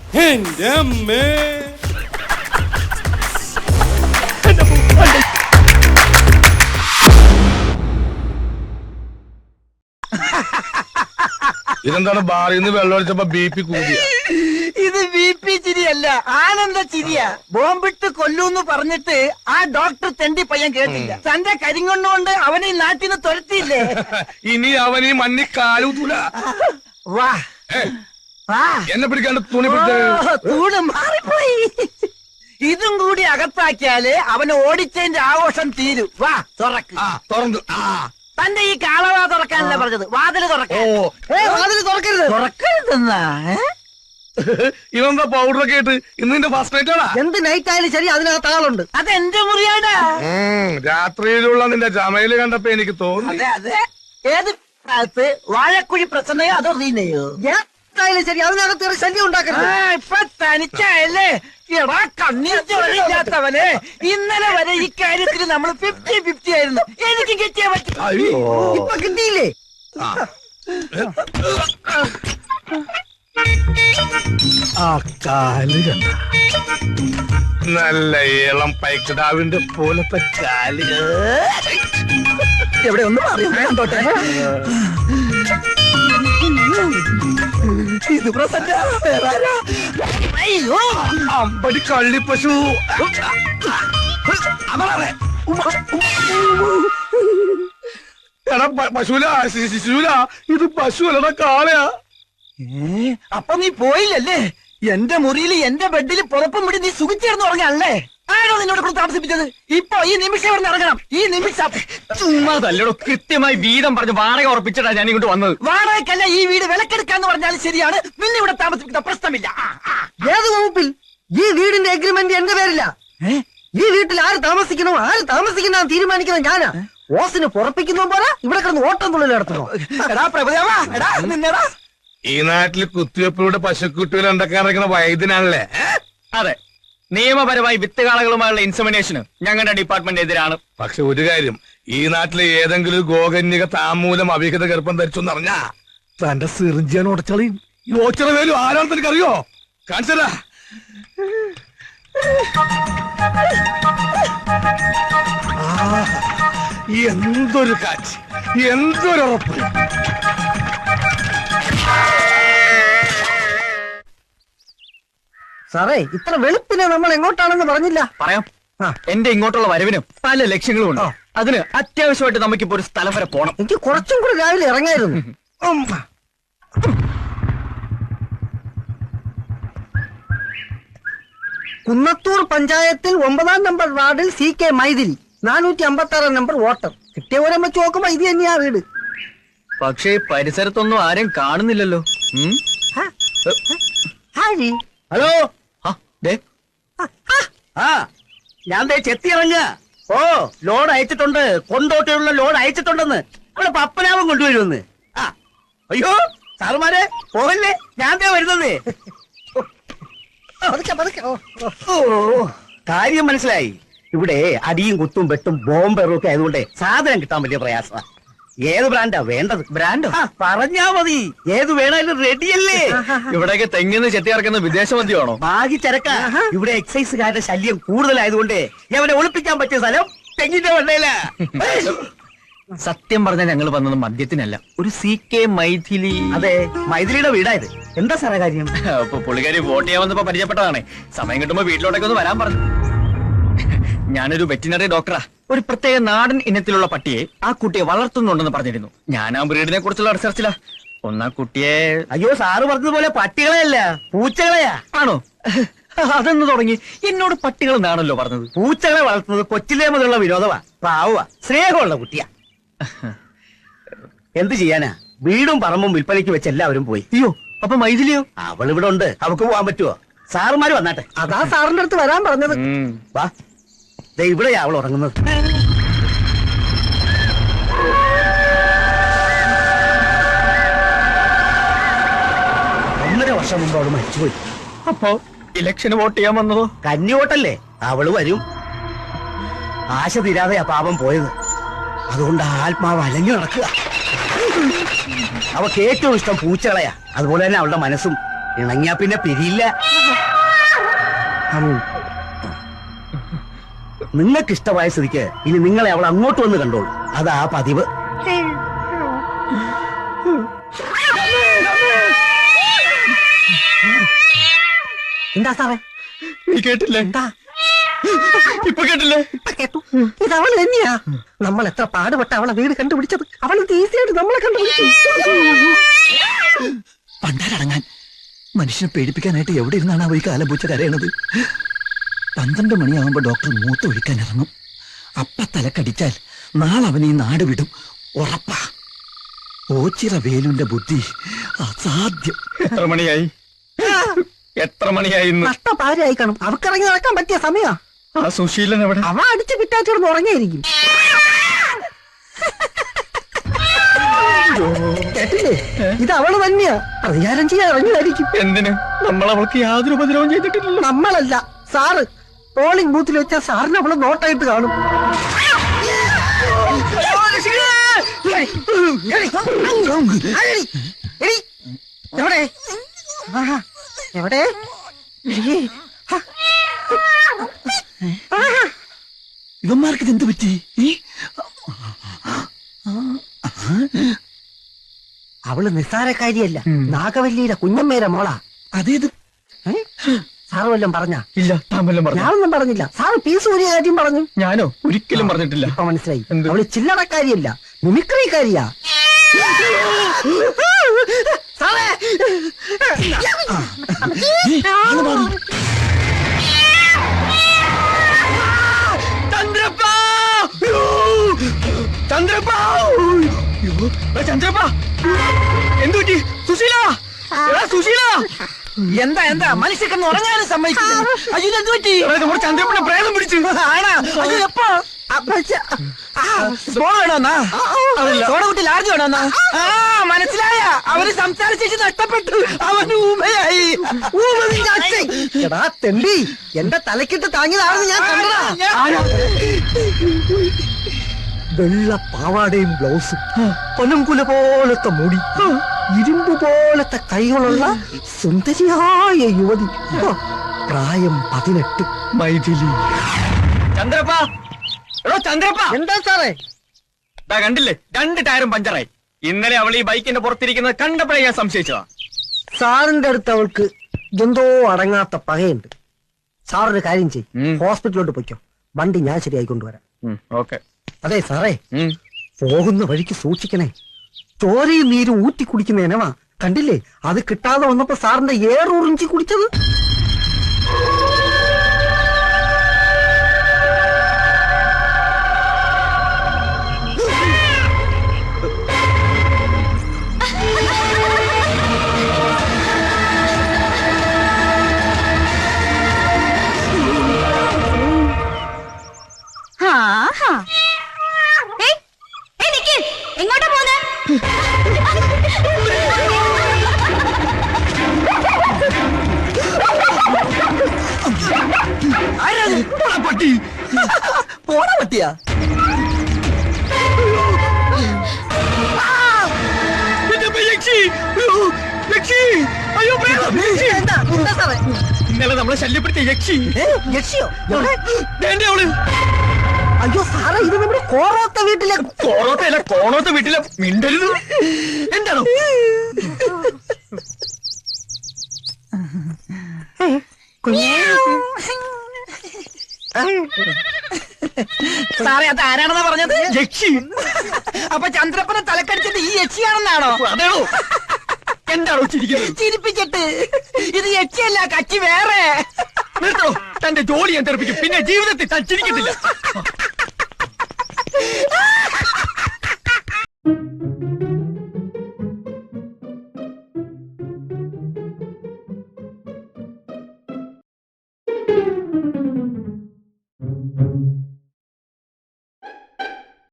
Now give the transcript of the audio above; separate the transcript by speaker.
Speaker 1: എന്റെ അമ്മേ.
Speaker 2: ഇതെന്താണ് ബാറിൽ നിന്ന് വെള്ളം ഒഴിച്ചപ്പോ BP കൂടിയ?
Speaker 3: ഇത് BP ചിരിയല്ല, ആനന്ദ ചിരിയ. ബോംബിട്ട് കൊല്ലൂന്ന് പറഞ്ഞിട്ട് ആ ഡോക്ടർ തെണ്ടി പയ്യൻ കേട്ടില്ല. തന്റെ കരിങ്കൊണ്ടുകൊണ്ട് അവനെ ഈ നാട്ടിൽ നിന്ന് തുരത്തിയില്ലേ.
Speaker 2: ഇനി അവൻ ഈ മണ്ണി കാലൂത്തൂല.
Speaker 3: വാ വാ,
Speaker 2: എന്നെ പിടിക്കാണ്ട് തുണി
Speaker 3: തൂണ് മാറിപ്പോയി. ഇതും കൂടി അകത്താക്കിയാല് അവന് ഓടിച്ചതിന്റെ ആഘോഷം തീരും. വാ തുറക്ക്.
Speaker 2: തുറന്നു.
Speaker 3: തന്റെ ഈ കാളവാ തുറക്കാനല്ല പറഞ്ഞത്, വാതില് തുറക്കാൻ.
Speaker 4: വാതിൽ തുറക്കരുത്.
Speaker 3: തുറക്കരുതെന്നാ?
Speaker 2: ഇവന്താ പൗഡറൊക്കെ ഇട്ട് ഇന്ന് നിന്റെ ഫസ്റ്റ് നൈറ്റ് ആണാ?
Speaker 4: എന്ത് നൈറ്റ് ആയാലും ശരി, അതിനകത്ത് ആളുണ്ട്.
Speaker 3: അതെന്റെ മുറിയാടാ.
Speaker 2: രാത്രിയിലുള്ള നിന്റെ ജമയില് കണ്ടപ്പോ എനിക്ക് തോന്നി.
Speaker 3: അതെ അതെ. ഏത് ഭാഗത്ത്? വാഴക്കുഴി പ്രസന്നയോ അതോ റീനയോ?
Speaker 4: എന്തായാലും ശരി, അതിനകത്ത് ഒരു ശല്യം ഉണ്ടാക്കരുത്.
Speaker 3: ഇപ്പൊ തനിച്ചായല്ലേ? എടാ കണ്ണീർ ചോരയില്ലാത്തവനെ, ഇന്നലെ വരെ ഈ കാര്യത്തിൽ നമ്മൾ 50-50 ആയിരുന്നു. എനിക്ക് കിട്ടിയാ പറ്റും.
Speaker 4: ഇപ്പൊ കിട്ടിയില്ലേ?
Speaker 2: ആ കാല് കണ്ട നല്ല ഇളം പൈക്കിടാവിന്റെ പോലത്തെ കാല്.
Speaker 3: എവിടെ ഒന്ന് മാറി കണ്ടോട്ടെ. ഇത് പ്രസന്ന. അയ്യോ
Speaker 2: അമ്പടി കള്ളിപ്പശു. എടാ പശുല, ശിശുല, ഇത് പശുവല്ലടാ, കാളയാ.
Speaker 3: അപ്പൊ നീ പോയില്ലല്ലേ? എന്റെ മുറിയിൽ എന്റെ ബെഡിൽ പുറപ്പും പിടി നീ സുഖിച്ചേർന്ന് ഉറങ്ങാനല്ലേ? ആരോ നിന്നോട് കൂടെ താമസിപ്പിച്ചത്? ഇപ്പൊ ഈ നിമിഷം ഇവിടെ ഇറങ്ങണം. ഈ നിമിഷം.
Speaker 5: ചുമ്മാതല്ലോ, കൃത്യമായി വീതം പറഞ്ഞ് വാടക ഉറപ്പിച്ചിട്ടാ ഞാൻ ഇങ്ങോട്ട് വന്നത്.
Speaker 3: വാടകയ്ക്കല്ല, ഈ വീട് വിലക്കെടുക്കാന്ന് പറഞ്ഞാലും ശരിയാണ്. നിന്നെ ഇവിടെ താമസിപ്പിക്കുന്ന പ്രശ്നമില്ല.
Speaker 4: ഏത് വകുപ്പിൽ? ഈ വീടിന്റെ എഗ്രിമെന്റ് എന്റെ പേരില്ല. ഈ വീട്ടിൽ ആര് താമസിക്കണോ ആര് താമസിക്കണോ തീരുമാനിക്കുന്നത് ഞാനാ. ഓസിന് പുറപ്പിക്കുന്ന പോലെ ഇവിടെ കിടന്ന് ഓട്ടം തുള്ളൽ നടത്തണോ?
Speaker 3: എടാ പ്രഭുദേവാ, എടാ നിന്നെടാ.
Speaker 2: ഈ നാട്ടിൽ കുത്തിവെപ്പിലൂടെ പശുക്കുട്ടികൾ ഉണ്ടാക്കാൻ ഇറങ്ങുന്ന വൈദ്യനാണല്ലേ?
Speaker 5: അതെ, നിയമപരമായി വിത്തുകാളകളുമായുള്ള ഇൻസെമിനേഷന് ഞങ്ങളുടെ ഡിപ്പാർട്ട്മെന്റ് എതിരാണ്.
Speaker 2: പക്ഷെ ഒരു കാര്യം, ഈ നാട്ടിലെ ഏതെങ്കിലും ഗോകന്യക താമൂലം അവിഹിത ഗർഭം ധരിച്ചെന്ന് അറിഞ്ഞാ തന്റെ സിറിഞ്ചാൻ ഉടച്ചളിയും. ഈ ഓച്ചിറ വേലും ആരാണെന്ന് എനിക്കറിയോ? കാണിച്ചതാ. എന്തൊരു കാറ്റ്, എന്തൊരു ഉറപ്പ്.
Speaker 4: സാറേ, ഇത്ര വെളുപ്പിനെ നമ്മൾ എങ്ങോട്ടാണെന്ന് പറഞ്ഞില്ല.
Speaker 5: പറയാം. എന്റെ ഇങ്ങോട്ടുള്ള വരവിനും പല ലക്ഷ്യങ്ങളും ഉണ്ട്. അതിന് അത്യാവശ്യമായിട്ട് നമുക്കിപ്പോ ഒരു സ്ഥലം വരെ പോണം.
Speaker 4: എനിക്ക് കുറച്ചും കൂടി രാവിലെ ഇറങ്ങായിരുന്നു. കുന്നത്തൂർ പഞ്ചായത്തിൽ 9-ാം നമ്പർ വാർഡിൽ CK മൈതിലി, 456 നമ്പർ വോട്ടർ. കിട്ടിയ ഓരം വെച്ച് നോക്കുമ്പോ ഇത് തന്നെയാ വീട്.
Speaker 5: പക്ഷേ പരിസരത്തൊന്നും ആരും കാണുന്നില്ലല്ലോ.
Speaker 3: ഹലോ.
Speaker 5: ദേ,
Speaker 3: ഞാൻ ചെത്തി ഇറങ്ങുക. ഓ, ലോഡ് അയച്ചിട്ടുണ്ട്. കൊണ്ടോട്ടിയുള്ള ലോഡ് അയച്ചിട്ടുണ്ടെന്ന്. അവിടെ പപ്പനാവും കൊണ്ടുവരുമെന്ന്. അയ്യോ സാറുമാരെ പോകല്ലേ, ഞാൻ വരുന്നത്. ഓ, കാര്യം മനസ്സിലായി. ഇവിടെ അടിയും കുത്തും വെട്ടും ബോംബെറും ഒക്കെ ആയതുകൊണ്ട് സാധനം കിട്ടാൻ വലിയ പ്രയാസമാണ്. ഏത് ബ്രാൻഡാ വേണ്ടത്?
Speaker 5: ബ്രാൻഡോ?
Speaker 3: പറഞ്ഞാ മതി. ഏത് വേണേലും റെഡിയല്ലേ?
Speaker 5: ഇവിടെയൊക്കെ തെങ്ങിന്ന് ചെത്തി ഇറക്കുന്ന വിദേശ മദ്യമാണോ?
Speaker 3: ബാഗി ചരക്ക. ഇവിടെ എക്സൈസുകാരുടെ ശല്യം കൂടുതലായതുകൊണ്ട് അവനെ ഒളിപ്പിക്കാൻ പറ്റിയ സ്ഥലം തെങ്ങിന്റെ വെള്ളയില.
Speaker 5: സത്യം പറഞ്ഞാൽ ഞങ്ങൾ വന്നത് മദ്യത്തിനല്ല, ഒരു CK മൈഥിലി.
Speaker 3: അതെ, മൈഥിലിയുടെ വീടായത്. എന്താ സാറേ കാര്യം?
Speaker 5: അപ്പൊ പുള്ളിക്കാരി വോട്ട് ചെയ്യാൻ വന്നപ്പോ പരിചയപ്പെട്ടതാണ്. സമയം കിട്ടുമ്പോ വീട്ടിലോട്ടൊക്കെ ഒന്ന് വരാൻ പറഞ്ഞു. ഞാനൊരു വെറ്റിനറി ഡോക്ടറാ. ഒരു പ്രത്യേക നാടൻ ഇനത്തിലുള്ള പട്ടിയെ ആ കുട്ടിയെ വളർത്തുന്നുണ്ടെന്ന് പറഞ്ഞിരുന്നു. ഞാൻ ആ ബ്രീഡിനെ കുറിച്ചുള്ള റിസർച്ചിലാ. ഒന്നാ കുട്ടിയെ.
Speaker 3: അയ്യോ, സാറ് പറഞ്ഞതുപോലെ പട്ടികളെയല്ല, പൂച്ചകളെയാ.
Speaker 5: ആണോ? അതെന്ന് തുടങ്ങി? എന്നോട് പട്ടികൾ എന്നാണല്ലോ പറഞ്ഞത്.
Speaker 3: പൂച്ചകളെ വളർത്തുന്നത് കൊച്ചിലേ മുതലുള്ള വിനോദമാ. പാവ സ്നേഹമുള്ള കുട്ടിയാ. എന്ത് ചെയ്യാനാ, വീടും പറമ്പും വിൽപ്പനയ്ക്ക് വെച്ച് എല്ലാവരും പോയി.
Speaker 5: അയ്യോ, അപ്പൊ മൈഥിലിയോ?
Speaker 3: അവൾ ഇവിടെ ഉണ്ട്. അവക്ക് പോവാൻ പറ്റുമോ? സാറുമാര് വന്നാട്ടെ.
Speaker 4: അതാ സാറിന്റെ അടുത്ത് വരാൻ പറഞ്ഞത്.
Speaker 3: വാ, ഇവിടെയാ അവൾ ഉറങ്ങുന്നത്. 1.5 വർഷം മുമ്പ് അവള് മരിച്ചുപോയി.
Speaker 5: അപ്പോ ഇലക്ഷന് വോട്ട് ചെയ്യാൻ വന്നതോ?
Speaker 3: കന്നി വോട്ടല്ലേ, അവള് വരും. ആശ തീരാതെയാ പാപം പോയത്. അതുകൊണ്ട് ആത്മാവ് അലഞ്ഞു നടക്കുക. അവക്ക് ഏറ്റവും ഇഷ്ടം പൂച്ചകളെയാ. അതുപോലെ തന്നെ അവളുടെ മനസ്സും. ഇണങ്ങിയാ പിന്നെ പിരിയില്ല. നിങ്ങൾക്ക് ഇഷ്ടമായ സ്ഥിതിക്ക് ഇനി നിങ്ങളെ അവൾ അങ്ങോട്ട് വന്ന് കണ്ടോളൂ. അതാ പതിവ്.
Speaker 4: എന്താ സാറേ?
Speaker 5: നീ കേട്ടില്ലേ?
Speaker 4: എന്താ
Speaker 5: ഇപ്പൊ കേട്ടില്ലേ?
Speaker 4: ഇപ്പൊ കേട്ടു. ഇത് അവള് തന്നെയാ. നമ്മൾ എത്ര പാടുപെട്ട അവളെ വീട് കണ്ടുപിടിച്ചത്. അവള് ഈസിയായിട്ട് നമ്മളെ കണ്ടുപിടിച്ചു.
Speaker 1: പണ്ടാരടങ്ങാൻ മനുഷ്യനെ പേടിപ്പിക്കാനായിട്ട് എവിടെ ഇരുന്നാണ് അവ ഈ കാലം പൂച്ച കരയണത്? 12 മണിയാവുമ്പോ ഡോക്ടർ മൂത്ത് ഒഴിക്കാൻ ഇറങ്ങും. അപ്പ തലക്കടിച്ചാൽ നാളെ അവൻ ഈ നാട് വിടും, ഉറപ്പാ. ഓച്ചിറ വേലുന്റെ ബുദ്ധി അസാധ്യം.
Speaker 5: എത്ര മണിയായി? എത്ര മണിയായി?
Speaker 4: നഷ്ടപാരായി കാണും. അവക്കിറങ്ങി നടക്കാൻ പറ്റിയ സമയാ.
Speaker 5: ആ സുശീലൻ എവിടെ?
Speaker 4: അവ അടിച്ച് പിറ്റാച്ചിടന്ന് ഉറങ്ങിയായിരിക്കും. കേട്ടില്ലേ? ഇത് അവള് തന്നെയാ. പ്രതികാരം ചെയ്യാൻ ഇറങ്ങിയായിരിക്കും.
Speaker 5: എന്തിന്? നമ്മൾ അവൾക്ക് യാതൊരു ഉപദ്രവം ചെയ്തിട്ടില്ലല്ലോ.
Speaker 4: നമ്മളല്ല, സാറ്. പോളിംഗ് ബൂത്തിൽ വെച്ചാൽ സാറിന് അവള് നോട്ടായിട്ട് കാണും. എവിടെ? എവിടെ?
Speaker 1: ഇവന്മാർക്ക് ഇതെന്ത് പറ്റി?
Speaker 4: അവള് നിസ്സാരക്കാരിയല്ല. നാഗവല്ലിയുടെ കുഞ്ഞമ്മേരെ മോളാ.
Speaker 1: അതേത്?
Speaker 4: സാറ് വല്ലതും പറഞ്ഞാ?
Speaker 5: ഇല്ല, താൻ വല്ലതും പറഞ്ഞു?
Speaker 4: ഞാനൊന്നും പറഞ്ഞില്ല. സാറ് പീസ് ഊരിയ കാര്യം പറഞ്ഞു.
Speaker 5: ഞാനോ? ഒരിക്കലും പറഞ്ഞിട്ടില്ല.
Speaker 4: ഇപ്പൊ മനസ്സിലായി.
Speaker 5: എന്ത്?
Speaker 4: അവള് ചില്ലറക്കാരിയല്ല, മിമിക്രിക്കാരിയാ. സാറേ,
Speaker 5: ചന്ദ്രപ്പാ! ചന്ദ്രപ്പാ! ചന്ദ്രപ്പാ! എന്തു പറ്റി? സുശീല! എടാ സുശീല!
Speaker 4: എന്താ എന്താ മനുഷ്യക്കെന്ന് ഉറങ്ങാനും സമ്മതിക്കില്ല. അയ്യോ, എന്ത് പറ്റി?
Speaker 5: നമ്മുടെ ചന്ദ്രപ്പനെ പ്രേതം പിടിച്ചു.
Speaker 4: ആണാ? അയ്യോ, എപ്പോ? സോഡ വേണോന്നാ? സോഡ കുട്ടി ലാർജ് വേണോന്നാ? മനസ്സിലായ? അവര് സംസാരിച്ചു നഷ്ടപ്പെട്ടു. അവന് ഊമയായി. എടാ തെണ്ടി, എന്റെ തലക്കിട്ട് താങ്ങിയതാണെന്ന് ഞാൻ കണ്ടതാ. വെള്ള പാവാടയും ബ്ലൗസും, പൊനംകുല പോലത്തെ മുടി, ഇരുമ്പ് പോലത്തെ കൈകളുള്ള സുന്ദരിയായ യുവതി. പ്രായം 18.
Speaker 5: മൈഥിലി. ചന്ദ്രപ്പാ! എടോ ചന്ദ്രപ്പാ!
Speaker 4: എന്താ സാറേ?
Speaker 5: കണ്ടില്ലേ, 2 ടയറും പഞ്ചറായി. ഇന്നലെ അവൾ ഈ ബൈക്കിന്റെ പുറത്തിരിക്കുന്നത് കണ്ടപ്പോഴേ ഞാൻ സംശയിച്ചതാ.
Speaker 4: സാറിന്റെ അടുത്ത് അവൾക്ക് എന്തോ അടങ്ങാത്ത പകയുണ്ട്. സാറൊരു കാര്യം ചെയ്യും, ഹോസ്പിറ്റലിലോട്ട് പൊയ്ക്കോ. വണ്ടി ഞാൻ ശരിയായി കൊണ്ടുവരാം.
Speaker 5: ഓക്കെ.
Speaker 4: അതെ സാറേ, പോകുന്ന വഴിക്ക് സൂക്ഷിക്കണേ. ചോരയും നീരും ഊറ്റി കുടിക്കുന്ന ഇനവാ. കണ്ടില്ലേ, അത് കിട്ടാതെ വന്നപ്പോ സാറിന്റെ ഏറുറിഞ്ചി കുടിച്ചത്.
Speaker 6: എങ്ങോട്ടാ പോന്നെ?
Speaker 5: പട്ടി
Speaker 4: പോണ പറ്റിയാ?
Speaker 5: ഇന്നലെ നമ്മളെ ശല്യപ്പെടുത്തിയ യക്ഷി.
Speaker 4: യക്ഷിയോ?
Speaker 5: അവള്.
Speaker 4: അയ്യോ സാറേ, ഇത് നമ്മുടെ കോറോത്ത വീട്ടിലെ.
Speaker 5: കോറോത്തല്ല, കോണോത്ത വീട്ടിലെ. മിണ്ടരുത്. എന്താണോ?
Speaker 4: സാറേ, അത് ആരാണെന്നാ പറഞ്ഞത്?
Speaker 5: യക്ഷി.
Speaker 4: അപ്പൊ ചന്ദ്രപ്പനെ തലക്കടിച്ചത് ഈ യക്ഷിയാണെന്നാണോ?
Speaker 5: അതെയോ? എന്താണോ ചിരിക്കുന്നത്?
Speaker 4: ചിരിപ്പിച്ചിട്ട്. ഇത് യക്ഷിയല്ല, കച്ചി വേറെ.
Speaker 5: നിർത്തോ, തന്റെ ജോലി ഞാൻ തെറിപ്പിക്കും. പിന്നെ ജീവിതത്തിൽ താൻ ചിരിക്കത്തില്ല.